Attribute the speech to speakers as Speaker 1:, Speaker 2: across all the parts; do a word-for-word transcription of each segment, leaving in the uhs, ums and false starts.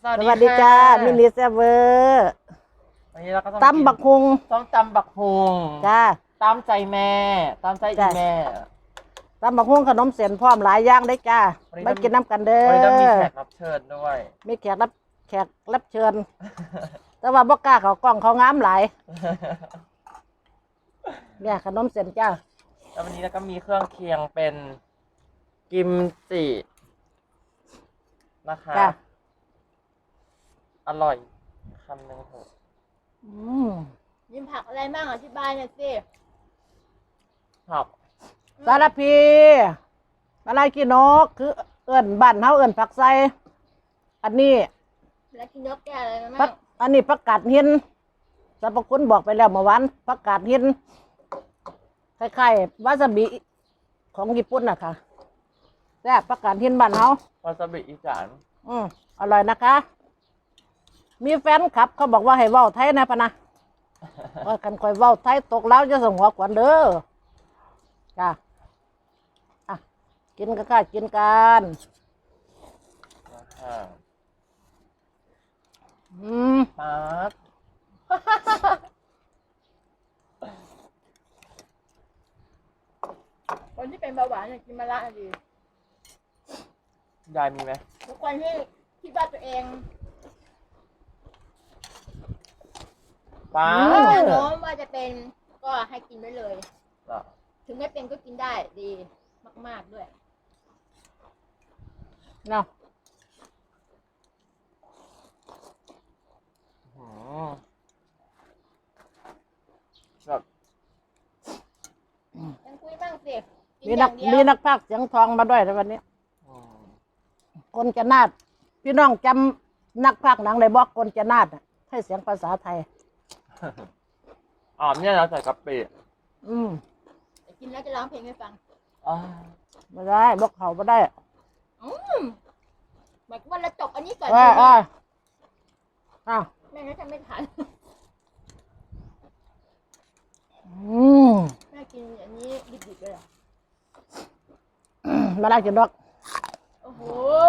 Speaker 1: สวัสดีจ้ามินิเซเวอร์
Speaker 2: วันนี้เราก็ต้อง
Speaker 1: ตำบักฮุง
Speaker 2: ต้องตำบักฮุง
Speaker 1: จ้า
Speaker 2: ตามใจแม่ตามใจอีแม่
Speaker 1: ตำบักฮุงขนมเส้นพร้อมหลายอย่างได้จ้าไม่กินน้ำกันเด้อ
Speaker 2: วันนี้ต้องมีแขกรับเชิญด้วย
Speaker 1: มีแขกรับแขกรับเชิญ แต่ว่าบ่กล้าเขากล้องเขางามหลายเนี่ยขนมเส้นจ้า
Speaker 2: แล้ววันนี้เราก็มีเครื่องเคียงเป็นกิมจินะคะอร่อยคำหนึ่งเถอะ
Speaker 3: ยิมผักอะไรบ้างอธิบายหน่อยสิ
Speaker 2: ผัก
Speaker 1: สารพีอะไรกินกคือเอิ่นบ้านเฮาเอิ่นผักไส้อันนี้
Speaker 3: แล้วกินนกแก่อะไรนะ
Speaker 1: ผักอันนี้ผักกาดหินสรรพคุณบอกไปแล้วเมื่อวานผักกาดหินคล้ายๆวาซาบิของญี่ปุ่นนะคะแซ่บผักกาดหินบ้านเฮาว
Speaker 2: าซาบิอีสาน
Speaker 1: อืมอร่อยนะคะมีแฟนคลับเขาบอกว่าให้เว้าไทยนะพะนะว่ากันคอยเว้าไทยตกแล้วจะส่งหัวขวัญเด้อจ้าอ่ะกินกันค่ะกินกันอืม
Speaker 2: ปั๊บ
Speaker 3: คนที่เป็นเบาหวานเนี่ยกินมะระดี
Speaker 2: ยายมีไหม
Speaker 3: ทุกคนที่คิดว่าตัวเอง
Speaker 2: ป้า
Speaker 3: แน่นอนว่าจะเป็นก็ให้กินได้เลยถึงไม่เป็นก็กินได้ดีมากๆด้วย
Speaker 1: เนาะ
Speaker 2: แบบ
Speaker 3: ยังคุยบ้างสิ
Speaker 1: มีนักมีนักพากย์เสียงทองมาด้วยในวันนี้คนจะนาดพี่น้องจำนักพากย์หนังในบอกคนจะนาดให้เสียงภาษาไทย
Speaker 2: อ๋อเนี่ยเราใส่กะปิ
Speaker 1: อืม
Speaker 3: กินแล้วจะร้องเพลงให้ฟัง
Speaker 2: อ๋อ
Speaker 1: ไม่ได้บอกเขาไม่ได้
Speaker 3: อืมหมายว่าเราจบอันนี้ก่อน
Speaker 1: อ่าอ่าอ่า
Speaker 3: แม่ก็จะไม่ทัน
Speaker 1: อืม
Speaker 3: แม่กินอันนี้ดิบๆเลยเหรอ
Speaker 1: มาได้กินดอก
Speaker 3: โอ้โห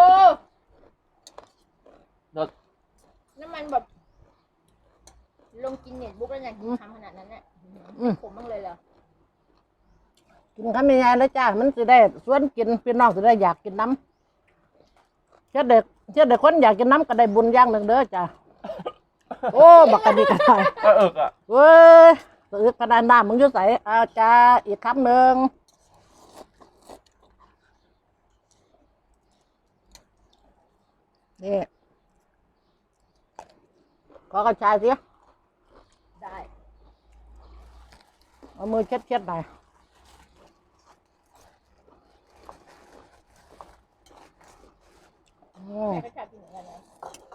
Speaker 2: รส
Speaker 3: น้ำมันแบบลงกินเน็ตบุ๊กแล้วเนี่ยทำขนาดนั้นเนี่ยผมบ้างเลยเหรอ
Speaker 1: กินข้าวมีไงแล้วจ้ามันจะได้ส่วนกินพี่น้องจะได้อยากกินน้ำเชื่อเด็กเชื่อเด็กคนอยากกินน้ำก็ได้บุญอย่างหนึ่งเด้อจ้าโอ้บักกะดีกันไป
Speaker 2: ก็เอิกอ่ะ
Speaker 1: เว้ยตึกขนาดน้ำมึงจะใส่อาจ้าอีกคำหนึ่งนี่ขอกระชายสิ
Speaker 3: ได้
Speaker 1: เอามือเช็ดเช็ดหน่อย
Speaker 3: แม่ก็ชอบกินเหมือนกันนะ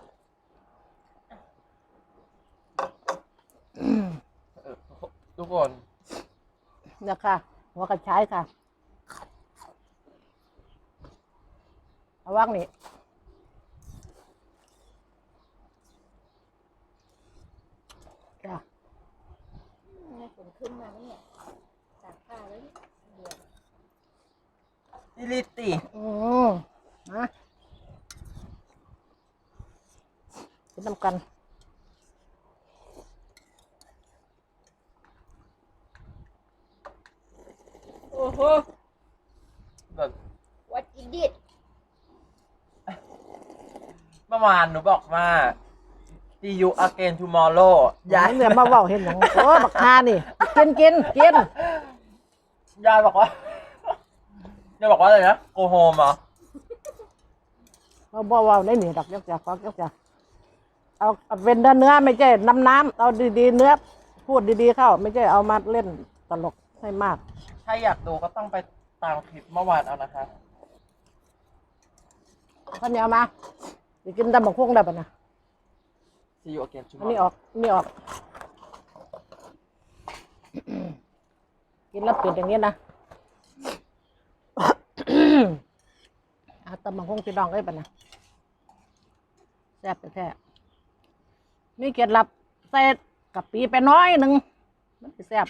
Speaker 2: ทุกคน
Speaker 1: เนี่ยค่ะหัวกระชายค่ะเอาว่างนี่จ้ะ
Speaker 3: นี่ฝนขึ้นมาแล้วเนี่ยตากผ้าแล้วเดือด
Speaker 2: อิลิติ
Speaker 1: อืมนะกินน้ำกัน
Speaker 3: โอ้โห
Speaker 2: แบบ
Speaker 3: what is it
Speaker 2: เมื่อวานหนูบอกว่า see you again tomorrow
Speaker 1: ยายเนี่ยมาว่าเห็นอย่างโอ้บักฮานี่กินกินกิน
Speaker 2: ยายบอกว่ายายบอกว่าอะไรนะ go home เหรอ
Speaker 1: มาบอกว่าได้หนีดอกยักษ์จ่าฟักยักษ์จ่าเอาเป็นเนื้อไม่ใช่น้ำน้ำเอาดีๆเนื้อพูดดีๆเข้าไม่ใช่เอามาเล่นตลกให้มาก
Speaker 2: ถ้าอยากดูก็ต้องไปตามคลิปเมื่อวานเอานะคะ
Speaker 1: ข้าวเหนียวมาจะกินตำบักหุ่งได้ปะนะ
Speaker 2: see you again
Speaker 1: อันนี้ออกนี่ออกกินแล้วเปลี่ยนอย่างนี้นะเอาตำบักหุ่งพี่น้องได้ปะนะแซ่บแท้นี่เกล็ดลับใส่กะปิไปน้อยหนึ่งมันจะแซ่บ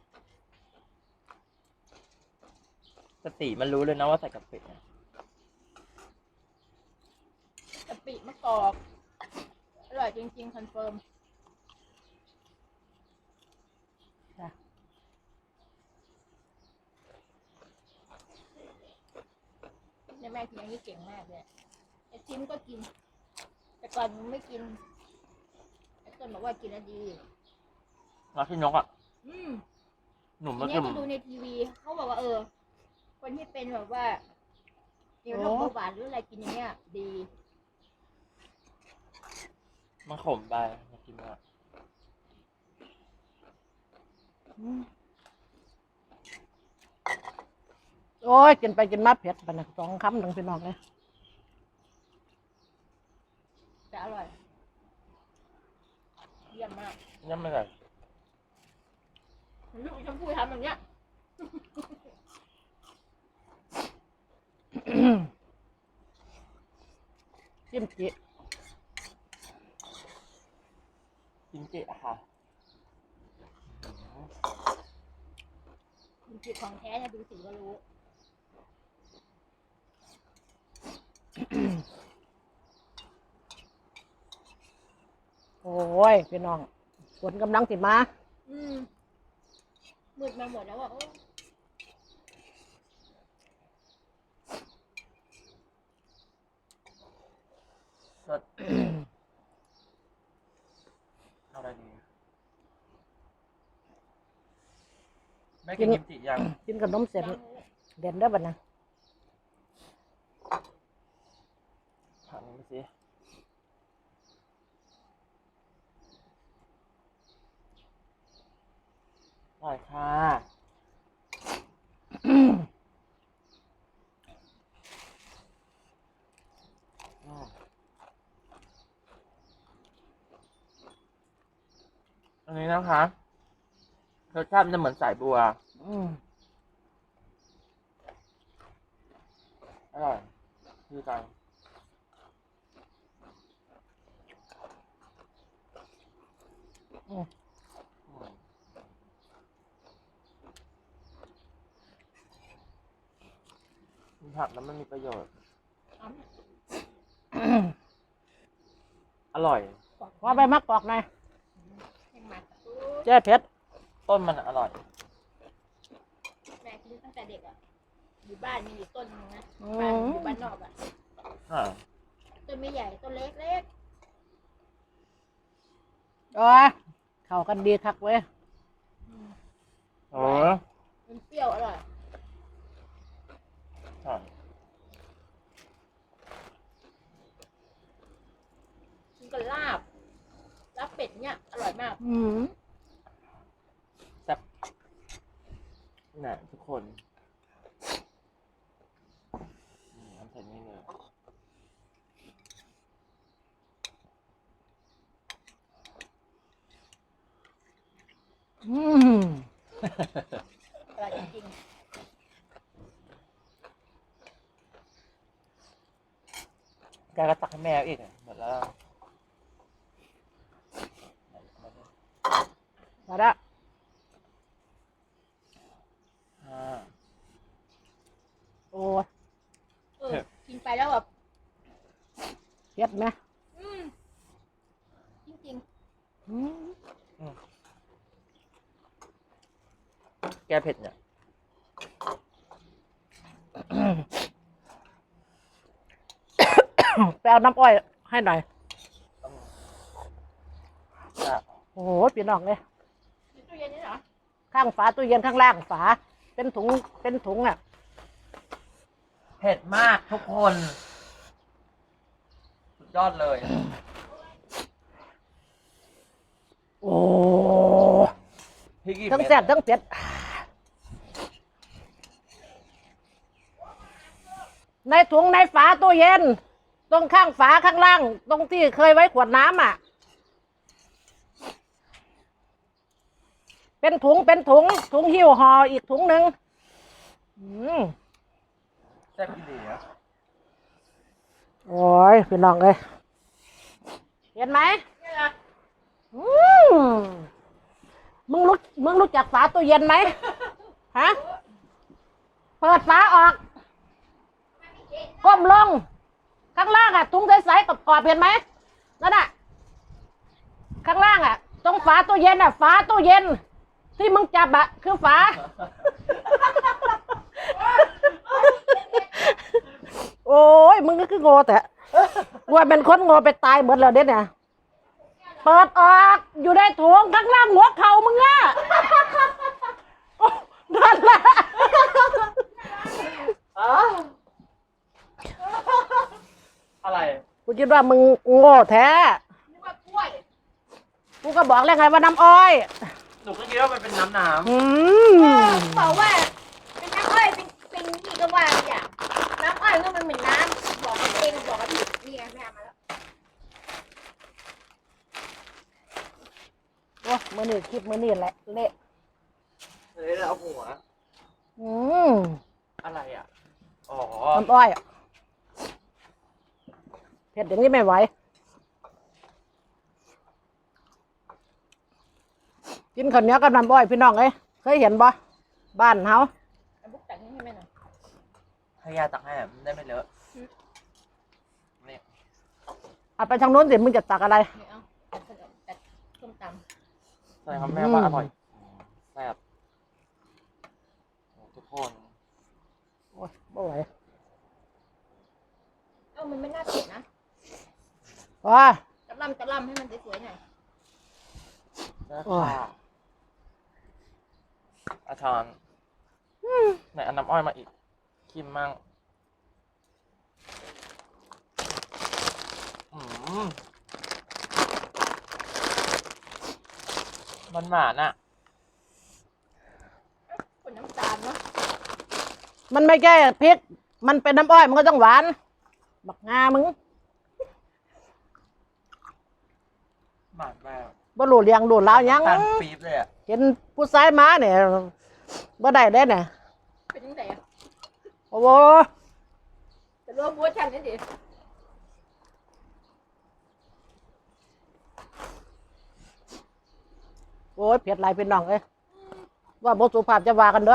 Speaker 2: สติมันรู้เลยนะว่าใส่กะปิ
Speaker 3: ปิมะกอกอร่อยจริงๆคอนเฟิร์ม
Speaker 1: จ้ะ
Speaker 3: เนี่ยแม่กินอย่างนี้เก่งมากเลยไอ้ทิมก็กิน แต่ก่อนมันไม่กินไอ้ต้นบอกว่ากินแล้วดี
Speaker 2: แล้วพี่นกอ่ะ
Speaker 3: อืม
Speaker 2: หนุ่ม
Speaker 3: ที
Speaker 2: มา
Speaker 3: เนี้
Speaker 2: กิ
Speaker 3: ย
Speaker 2: น
Speaker 3: ก็ดูในทีวีเขาบอกว่าเออ คนที่เป็นแบบว่าเกี่ยวกับโรคเบาหวานหรืออะไรกินอย่างเงี้ย ดี
Speaker 2: มันขมไปมากินอ่ะ
Speaker 1: อืมโอ้ยกินไปกินมาเผ็ดปะนะสองคำหนึ่งพี่น้องเลย
Speaker 3: แต่อร่อย เยี่ยมมาก
Speaker 2: ยังไม่ได้
Speaker 3: ลูกชมพู่ทำแบบเนี้ย
Speaker 1: จิ้มจิ
Speaker 2: กินเจค่ะ
Speaker 3: จริงๆของแท้เนี่ยดูสีก็รู้
Speaker 1: โอ้ยพี่น้องฝนกำลังสิมา
Speaker 3: อืมมืดมาหมดแล้วอ่ะโอ้
Speaker 2: สด เอาอะไรดีแม่กินกิมจิยัง
Speaker 1: กินขนมเสร็จ
Speaker 3: ยัง
Speaker 1: เด่นได้ปะนะ
Speaker 2: ถามมันสิอร่อยค่ะอืมอันนี้นะคะรสชาติมันจะเหมือนสายบัว
Speaker 1: อืม
Speaker 2: อร่อยคือกัน
Speaker 1: อืม
Speaker 2: อืมกินผักแล้วมันมีประโยชน์
Speaker 3: เอาเนี่ย
Speaker 2: อร่อย
Speaker 1: ว่าใบมะกอกหน่อย
Speaker 3: ให้หมัก
Speaker 1: เจ๊เผ็ด
Speaker 2: ต้นมันอร่อย
Speaker 3: แม่กินตั้งแต่เด็กอ่ะ อยู่บ้านมีอยู่ต้นนึงนะบ้านอยู่บ้านนอกอ่ะ
Speaker 2: อ่า
Speaker 3: ต้นไม่ใหญ่ต้นเล็กเล็ก
Speaker 1: โอ้ยเข้ากันดีคักเว้ย
Speaker 2: โอ้ย
Speaker 3: มันเปรี้ยวอร่อย
Speaker 2: ใช่
Speaker 3: กินกับลาบลาบเป็ดเนี่ยอร่อยมาก
Speaker 1: อืม
Speaker 2: แซ่บน่ะทุกคนนี่ทำเสร็จนี่เลย
Speaker 1: อืม
Speaker 3: อร่อยจริง
Speaker 2: แกก็ตักให้แม่อีกอ่ะหมดแล้ว
Speaker 1: มาละ
Speaker 2: อ่า
Speaker 1: โอ้ย
Speaker 3: ๆเออกินไปแล้วแบบ
Speaker 1: เผ็ดไหม
Speaker 3: อืมจริง
Speaker 1: อืม
Speaker 2: แกเผ็ดเนี่ย
Speaker 1: ไปเอาน้ำอ้อยให้หน่อย
Speaker 2: จะ
Speaker 1: โอ้โหพี่น้องเลย
Speaker 3: ๆในตู้เย็นนี่เหรอ
Speaker 1: ข้างฝาตู้เย็นข้างล่างฝา เป็นถุงเป็นถุงอ่ะ
Speaker 2: เผ็ดมากทุกคน สุดยอดเลย
Speaker 1: โอ้
Speaker 2: พี่กี่
Speaker 1: ทั้ง
Speaker 2: เม็ด
Speaker 1: แซ่บทั้งเผ็ดในถุงในฝาตู้เย็น ตรงข้างฝาข้างล่าง ตรงที่เคยไว้ขวดน้ำอ่ะ เป็นถุงเป็นถุง ถุงหิ้วห่ออีกถุงหนึ่งอืม
Speaker 2: แซ่บดีนะ
Speaker 1: โอ้ยพี่น้องเลยเห็นไหม
Speaker 3: นี่เหรอ
Speaker 1: อืมมึงรู้มึงรู้จักฝาตู้เย็นไหมฮะเปิดฝาออก ก้มลงข้างล่างอ่ะถุงใสๆกับกรอบๆเห็นไหมนั่นอ่ะข้างล่างอ่ะตรงฝาตู้เย็นอ่ะฝาตู้เย็น ที่มึงจับอ่ะคือฝา โอ้ยมึงก็คือโง่แต่ว่าเป็นคนโง่ไปตายหมดแล้วเด็ดเนี่ยเปิดออกอยู่ในถุงข้างล่างหัวเข่ามึงอ่ะโอ้นั่นแหละ
Speaker 2: อะไร
Speaker 1: กูคิดว่ามึงโง่แท้
Speaker 3: นึกว่ากล้วย
Speaker 1: กูก็บอกแล้วไงว่าน้ำอ้อย
Speaker 2: หนูก็คิดว่ามันเป็นน้ำน้
Speaker 1: อื
Speaker 3: เอ
Speaker 1: ม
Speaker 3: อบอกว่าเป็นน้ำอ้อยเป็นเป็นนี่ก็ว่าอย่างน้ำอ้อยก็มันเหมือนน้ำบอกกับเองบอกกับผิดนี่ไงแม่มาแล้ว
Speaker 1: โอ้มือนี่คลิปมือนี่แหละเละ
Speaker 2: ำเลยแล้วหัว
Speaker 1: อืม
Speaker 2: อะไรอ่ะ อ๋อ
Speaker 1: น้ำอ้อยอะเผ็ดอย่างนี้ไม่ไหวกินข้าวเหนียวกับน้ำอ้อยพี่น้องเอ้ยเคยเห็นบ่บ้านเฮา
Speaker 3: เอาบุกตักนี่ให้แม่หน่อย
Speaker 2: ให้ยาตักให้มันได้ไม่เลอะนี่
Speaker 1: เอาไปทางโน้นสิมึงจะตักอะไร
Speaker 3: นี่เอาตักขนมตักส้มต
Speaker 2: ใช่ครับแม่ว่าอร่อยแซ่บโอ้ทุกคน
Speaker 1: โอ้ยบ่ไหว
Speaker 3: ำเอ้ามันไม่น่าเผ็ดนะ
Speaker 1: ว้า
Speaker 3: ตะล่ำตะล่ำให้มันสวยๆหน่อย
Speaker 2: นะ
Speaker 1: โอ้ย
Speaker 2: ค่ะอาชอนไหนเอาน้ำอ้อยมาอีกคิมมั่งอืมมันหวานอ่ะ
Speaker 3: คนน้ำตาลเนาะ
Speaker 1: มันไม่แค่พริก มันเป็นน้ำอ้อยมันก็ต้องหวาน บักงามึง
Speaker 2: หวานแบบ
Speaker 1: บ่รู้เลี้ยงรู้ลาวยัง
Speaker 2: ตาลปี๊บเลยอ่ะ
Speaker 1: เห็นผู้ชายมาเนี่ยบ่ได้ได้เนี่ย
Speaker 3: เป็นยังไงอะ
Speaker 1: โอ้โห
Speaker 3: แต่รู้ว่าบัวชันนี่ดิ
Speaker 1: โอ้ยเผ็ดหลายพี่น้องเอ้ยว่าบ่สุภาพจะว่ากันเด้อ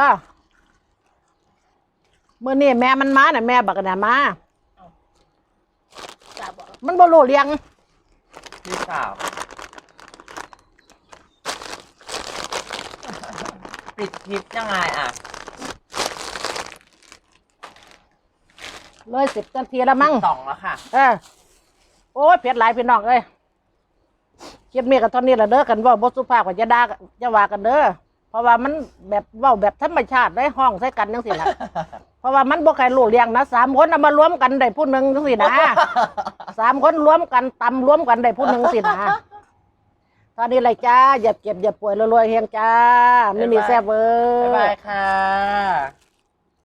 Speaker 1: มื้อนี้แม่มันมาน่ะแม่บักน่ะมา
Speaker 3: จ่าบอก
Speaker 1: มันบ่รู้เลี้ยง
Speaker 2: พี่สาวปิดคลิปยังไงอ่ะ
Speaker 1: เลยสิบนาทีแล้วมั้ง
Speaker 2: สองแล้วค่ะ
Speaker 1: เออโอ้ยเผ็ดหลายพี่น้องเอ้ยคลิปนี้ก็เท่านี้ละเด้อกันเว่าบ่สุภาพก็จะด่าจะว่ากันเด้อเพราะว่ามันแบบเว้าแบบธรรมชาติได้ห้องใส่กันจังซี่ล่ะ เพราะว่ามันบ่ใครรู้เลี้ยงนะสามคนเอามารวมกันได้ผู้หนึงจังซี่นะสามคนรวมกันตำรวมกันได้ผู้หนึงสินะตอนนี้เลยจ้าอย่าเจ็บอย่าป่วยรวยๆเฮงจ้าไม่มีแซ่บเว้
Speaker 2: บ๊าย
Speaker 1: ย
Speaker 2: บายค่ะ